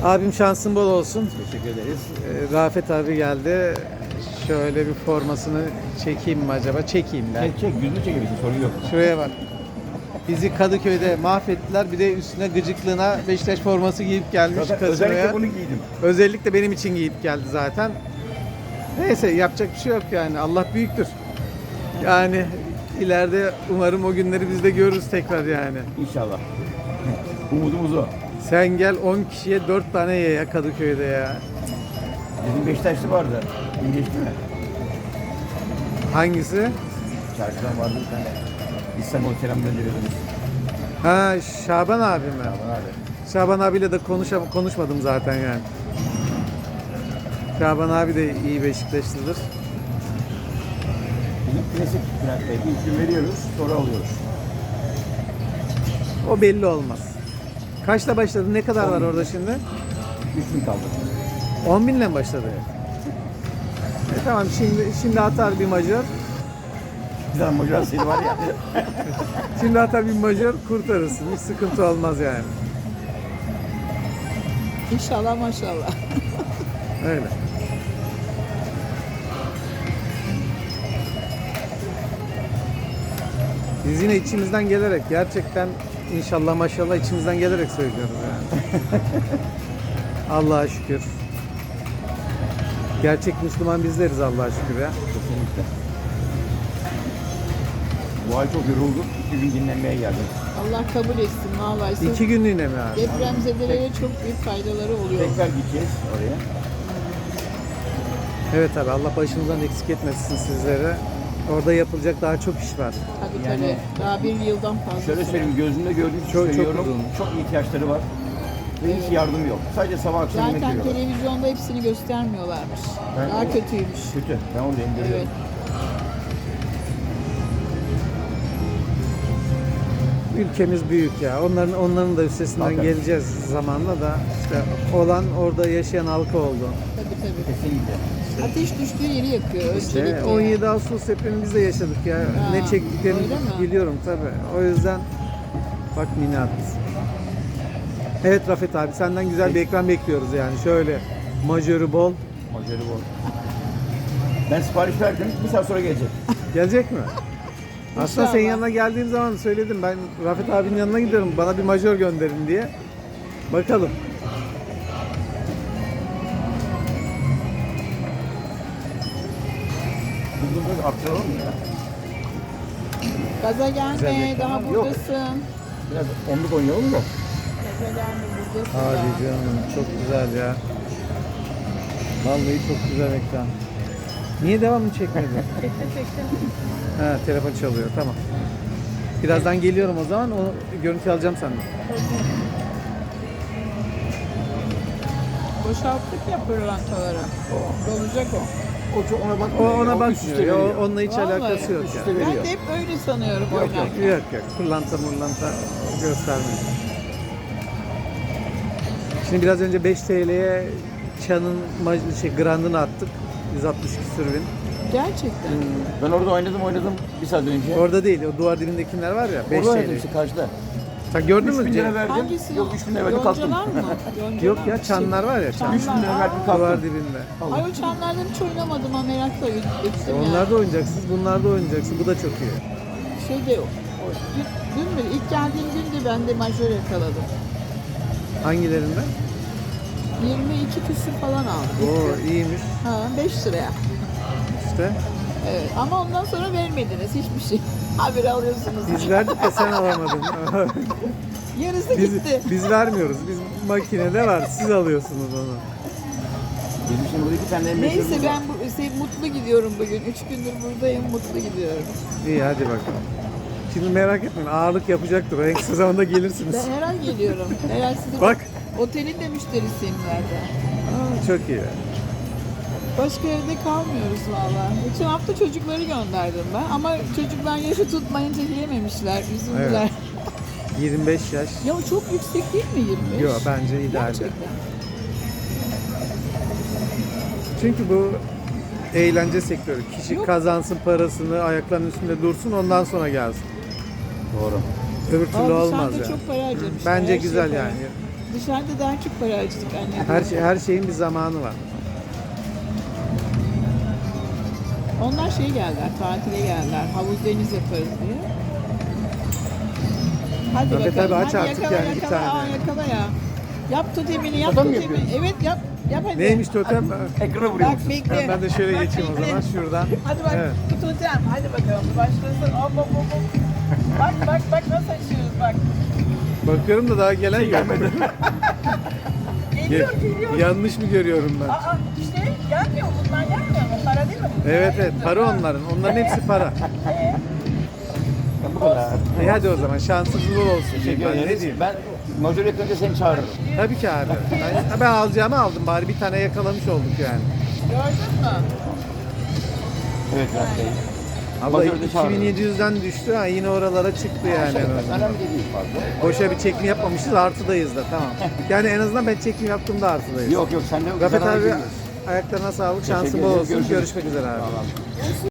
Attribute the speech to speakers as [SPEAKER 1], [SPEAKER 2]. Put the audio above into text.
[SPEAKER 1] Abim şansın bol olsun.
[SPEAKER 2] Teşekkür ederiz.
[SPEAKER 1] Rafet abi geldi. Şöyle bir formasını çekeyim mi acaba? Çekeyim ben.
[SPEAKER 2] Çek, yüzünü çekebilirsin, sorun yok.
[SPEAKER 1] Şuraya bak. Bizi Kadıköy'de mahvettiler. Bir de üstüne gıcıklığına Beşiktaş forması giyip gelmiş
[SPEAKER 2] Zaten
[SPEAKER 1] kasinoya.
[SPEAKER 2] özellikle bunu giydim.
[SPEAKER 1] Özellikle benim için giyip geldi zaten. Neyse yapacak bir şey yok yani. Allah büyüktür. Yani ileride umarım o günleri biz de görürüz tekrar yani.
[SPEAKER 2] İnşallah. Umudumuz o.
[SPEAKER 1] Sen gel 10 kişiye 4 tane ye ya Kadıköy'de ya.
[SPEAKER 2] Bizim Beşiktaşlı vardı. İyileşti mi?
[SPEAKER 1] Hangisi?
[SPEAKER 2] Çarşıdan vardı bir tane. İstanbul selam gönderiyoruz.
[SPEAKER 1] Ha Şaban abi mi?
[SPEAKER 2] Aman abi.
[SPEAKER 1] Şaban abiyle de konuşmadım zaten yani. Şaban abi de iyi Beşiktaşlıdır.
[SPEAKER 2] Bizim klasik Bülent Bey. İlk gün veriyoruz, sonra alıyoruz.
[SPEAKER 1] O belli olmaz. Kaçta başladı? Ne kadar
[SPEAKER 2] 10
[SPEAKER 1] var
[SPEAKER 2] bin.
[SPEAKER 1] orada şimdi?
[SPEAKER 2] 3 gün kaldı.
[SPEAKER 1] 10 binle mi başladı? Tamam şimdi atar bir majör.
[SPEAKER 2] Bir tane macerasıydı var ya.
[SPEAKER 1] Şimdi atar bir majör kurtarırsın. Hiç sıkıntı olmaz yani.
[SPEAKER 3] İnşallah maşallah.
[SPEAKER 1] Öyle. Biz yine içimizden gelerek gerçekten inşallah maşallah içimizden gelerek söylüyoruz yani. Allah'a şükür. Gerçek Müslüman bizleriz Allah'a şükür ya.
[SPEAKER 2] Kesinlikle. Bu ay çok yorulduk. 2 gün dinlenmeye geldim.
[SPEAKER 3] Allah kabul etsin vallahi. Siz
[SPEAKER 1] 2 günlüğüne mi abi?
[SPEAKER 3] depremzedelere çok büyük faydaları oluyor.
[SPEAKER 2] Tekrar gideceğiz oraya.
[SPEAKER 1] Evet abi Allah başımızdan eksik etmesin sizlere. Orada yapılacak daha çok iş var.
[SPEAKER 3] Tabii
[SPEAKER 2] Yani-
[SPEAKER 3] tabii. Daha bir yıldan fazla.
[SPEAKER 2] Şöyle
[SPEAKER 3] süre.
[SPEAKER 2] söyleyeyim, gözümde gördüğüm için
[SPEAKER 1] Çok
[SPEAKER 2] söylüyorum.
[SPEAKER 1] uzun.
[SPEAKER 2] Çok ihtiyaçları var. Ve hiç yardım yok. Sadece sabah akşam yemek
[SPEAKER 3] Zaten
[SPEAKER 2] veriyorlar.
[SPEAKER 3] televizyonda hepsini göstermiyorlarmış.
[SPEAKER 2] Ben-
[SPEAKER 3] Daha kötüymüş.
[SPEAKER 2] Kötü. Ben oradayım görüyorum.
[SPEAKER 3] Evet.
[SPEAKER 1] Ülkemiz büyük ya. Onların da üstesinden
[SPEAKER 2] Hakikaten.
[SPEAKER 1] geleceğiz zamanla da işte olan orada yaşayan halka oldu.
[SPEAKER 3] Tabii tabii.
[SPEAKER 2] Kesinlikle.
[SPEAKER 3] Ateş düştüğü yeri yakıyor.
[SPEAKER 1] İşte
[SPEAKER 3] öncelikle.
[SPEAKER 1] 17 Ağustos depremini biz de yaşadık ya. Ne çektiklerini
[SPEAKER 3] öyle mi?
[SPEAKER 1] biliyorum tabii. O yüzden bak minat. Evet Rafet abi senden güzel bir ekran bekliyoruz yani. Şöyle majörü bol.
[SPEAKER 2] Majörü bol. Ben sipariş verdim. Bir saat sonra gelecek.
[SPEAKER 1] Gelecek mi? Aslında senin
[SPEAKER 3] İnşallah.
[SPEAKER 1] yanına geldiğim zaman söyledim ben Rafet abinin yanına gidiyorum bana bir majör gönderin diye. Bakalım.
[SPEAKER 2] Bunu biraz arttıralım mı ya?
[SPEAKER 3] Gaza
[SPEAKER 1] Güzel
[SPEAKER 3] gelme.
[SPEAKER 1] bir
[SPEAKER 3] Daha
[SPEAKER 2] reklam. Yok.
[SPEAKER 3] buradasın.
[SPEAKER 2] Biraz onluk oynayalım da.
[SPEAKER 3] Gaza gelme buradasın.
[SPEAKER 1] Hadi
[SPEAKER 3] daha.
[SPEAKER 1] canım çok güzel ya. Vallahi çok güzel ekran. Niye devamlı çekmedi?
[SPEAKER 3] Çektim.
[SPEAKER 1] Ha telefon çalıyor tamam. Birazdan geliyorum o zaman o görüntü alacağım senden.
[SPEAKER 3] Boşalttık ya pırlantaları. Dolacak o.
[SPEAKER 2] O çok ona
[SPEAKER 1] O
[SPEAKER 2] bakmıyor.
[SPEAKER 1] ona
[SPEAKER 2] ya, üst üste
[SPEAKER 1] bakmıyor.
[SPEAKER 2] veriyor.
[SPEAKER 1] Onunla hiç
[SPEAKER 3] Vallahi
[SPEAKER 1] alakası yok
[SPEAKER 2] üst
[SPEAKER 1] ya.
[SPEAKER 2] üste
[SPEAKER 3] Ben
[SPEAKER 2] veriyor.
[SPEAKER 3] de hep öyle sanıyorum
[SPEAKER 2] Yok,
[SPEAKER 3] oynarken.
[SPEAKER 1] Yok yok. Pırlanta göstermiyor. Şimdi biraz önce 5 TL'ye Çan'ın grandını attık. 160 küsür bin.
[SPEAKER 3] Gerçekten.
[SPEAKER 2] Ben orada oynadım bir saat önce.
[SPEAKER 1] Orada değil, o duvar dibindekiler var ya 5
[SPEAKER 2] Orada oynadım
[SPEAKER 1] TL.
[SPEAKER 2] işte karşıda.
[SPEAKER 1] Sen gördün
[SPEAKER 2] 3
[SPEAKER 1] mü?
[SPEAKER 2] bin lira verdim.
[SPEAKER 3] Hangisi?
[SPEAKER 2] Yok 3 bin lira verdim kalktım.
[SPEAKER 3] Yoncalar mı? Yoncalar
[SPEAKER 1] Yok ya
[SPEAKER 3] mı?
[SPEAKER 1] çanlar var ya çan.
[SPEAKER 2] 3 bin lira verdim
[SPEAKER 1] Duvar
[SPEAKER 2] kalktım.
[SPEAKER 1] dibinde.
[SPEAKER 3] Ay o çanlardan hiç oynamadım ama merakla gittim ya.
[SPEAKER 1] Onlar da oynayacaksınız, bunlar da oynayacaksınız. Bu da çok iyi.
[SPEAKER 3] Şeyde dün mü? İlk geldiğim gün de ben de majör yakaladım.
[SPEAKER 1] Hangilerinde?
[SPEAKER 3] 22 küsür falan aldım.
[SPEAKER 1] Oo iyiymiş
[SPEAKER 3] Ha 5 liraya.
[SPEAKER 1] işte.
[SPEAKER 3] Evet ama ondan sonra vermediniz hiçbir şey. Haber alıyorsunuz.
[SPEAKER 1] Biz verdik de sen alamadın.
[SPEAKER 3] Yarısı gitti.
[SPEAKER 1] biz vermiyoruz. Biz makinede var. Siz alıyorsunuz onu.
[SPEAKER 2] Bizim şimdi burada 2 tane
[SPEAKER 3] Neyse
[SPEAKER 2] meşhurumuz var.
[SPEAKER 3] ben mutlu gidiyorum bugün. 3 gündür buradayım mutlu gidiyorum.
[SPEAKER 1] İyi hadi bakalım. Şimdi merak etmeyin ağırlık yapacaktır. En kısa zamanda gelirsiniz.
[SPEAKER 3] Ben her ay geliyorum. Her ay sizin
[SPEAKER 1] Bak.
[SPEAKER 3] otelin de müşterisiyim zaten.
[SPEAKER 1] Aa, çok iyi.
[SPEAKER 3] Başka evde kalmıyoruz valla. Geçen hafta çocukları gönderdim ben ama çocuklar yaşı tutmayınca yiyememişler, üzüldüler.
[SPEAKER 1] 25 yaş.
[SPEAKER 3] Ya o çok yüksek değil mi 25?
[SPEAKER 1] Yok bence ideal.
[SPEAKER 3] Gerçekten.
[SPEAKER 1] Çünkü bu eğlence sektörü. Kişi
[SPEAKER 3] Yok.
[SPEAKER 1] kazansın parasını, ayaklarının üstünde dursun ondan sonra gelsin.
[SPEAKER 2] Doğru.
[SPEAKER 1] Öbür türlü
[SPEAKER 3] Abi
[SPEAKER 1] olmaz
[SPEAKER 3] sen de
[SPEAKER 1] yani.
[SPEAKER 3] çok para harcamışsın.
[SPEAKER 1] Bence
[SPEAKER 3] her şey
[SPEAKER 1] güzel
[SPEAKER 3] para.
[SPEAKER 1] yani.
[SPEAKER 3] Dışarıda daha çok para harcadık anne.
[SPEAKER 1] Her şeyin bir zamanı var.
[SPEAKER 3] Onlar şey geldiler, tatile geldiler. Havuz deniz yaparız diye. Hadi
[SPEAKER 1] Tabii,
[SPEAKER 3] bakalım.
[SPEAKER 1] tabii, aç
[SPEAKER 3] Hadi
[SPEAKER 1] artık
[SPEAKER 3] yakala,
[SPEAKER 1] yani bir
[SPEAKER 3] yakala.
[SPEAKER 1] tane.
[SPEAKER 3] Aa, yakala ya. Yap totemini, yap
[SPEAKER 2] Totem mi
[SPEAKER 3] totemini.
[SPEAKER 2] yapıyorsun?
[SPEAKER 3] Evet yap. Yap hadi.
[SPEAKER 1] Neymiş totem?
[SPEAKER 2] Ekrana vuruyor
[SPEAKER 3] Bak
[SPEAKER 2] musun?
[SPEAKER 3] bekle.
[SPEAKER 1] Ben de şöyle
[SPEAKER 3] Bak,
[SPEAKER 1] geçeyim o
[SPEAKER 3] bekle.
[SPEAKER 1] zaman şuradan.
[SPEAKER 3] Hadi bak
[SPEAKER 1] Evet.
[SPEAKER 3] bu totem. Hadi bakalım başlasın. Hop hop hop hop. Bak nasıl açıyoruz bak.
[SPEAKER 1] Bakıyorum da daha gelen yok.
[SPEAKER 3] Geliyor.
[SPEAKER 1] Yanlış mı görüyorum ben?
[SPEAKER 3] Aa işte gelmiyor mu? Bunlar gelmiyor mu? Para değil mi bu?
[SPEAKER 1] Evet evet, para onların. Onların hepsi para.
[SPEAKER 2] Ya bu kadar.
[SPEAKER 1] Hadi o zaman şansınız bol olsun.
[SPEAKER 2] Teşekkür
[SPEAKER 1] Ben ne
[SPEAKER 2] ederiz.
[SPEAKER 1] diyeyim?
[SPEAKER 2] Ben majör yakınca seni çağırırım.
[SPEAKER 1] Tabii ki abi. Ben alacağımı aldım. Bari bir tane yakalamış olduk yani.
[SPEAKER 3] Gördün mü?
[SPEAKER 2] Evet Murat Bey.
[SPEAKER 1] Abla
[SPEAKER 2] Majörde çağırırım.
[SPEAKER 1] 2700'den düştü. Ha, yine oralara çıktı yani. en azından.
[SPEAKER 2] Önemli değil fazla.
[SPEAKER 1] Boşa bir çekim yapmamışız. Artıdayız da tamam. Yani en azından ben çekim yaptığımda artıdayız.
[SPEAKER 2] Yok sen de
[SPEAKER 1] Rafet
[SPEAKER 2] zarara
[SPEAKER 1] abi
[SPEAKER 2] girmiyorsun.
[SPEAKER 1] ayaklarına sağlık.
[SPEAKER 2] Teşekkür
[SPEAKER 1] Şansın bol
[SPEAKER 2] ederim.
[SPEAKER 1] olsun.
[SPEAKER 2] Görüşürüz.
[SPEAKER 1] Görüşmek üzere abi.
[SPEAKER 2] Tamam.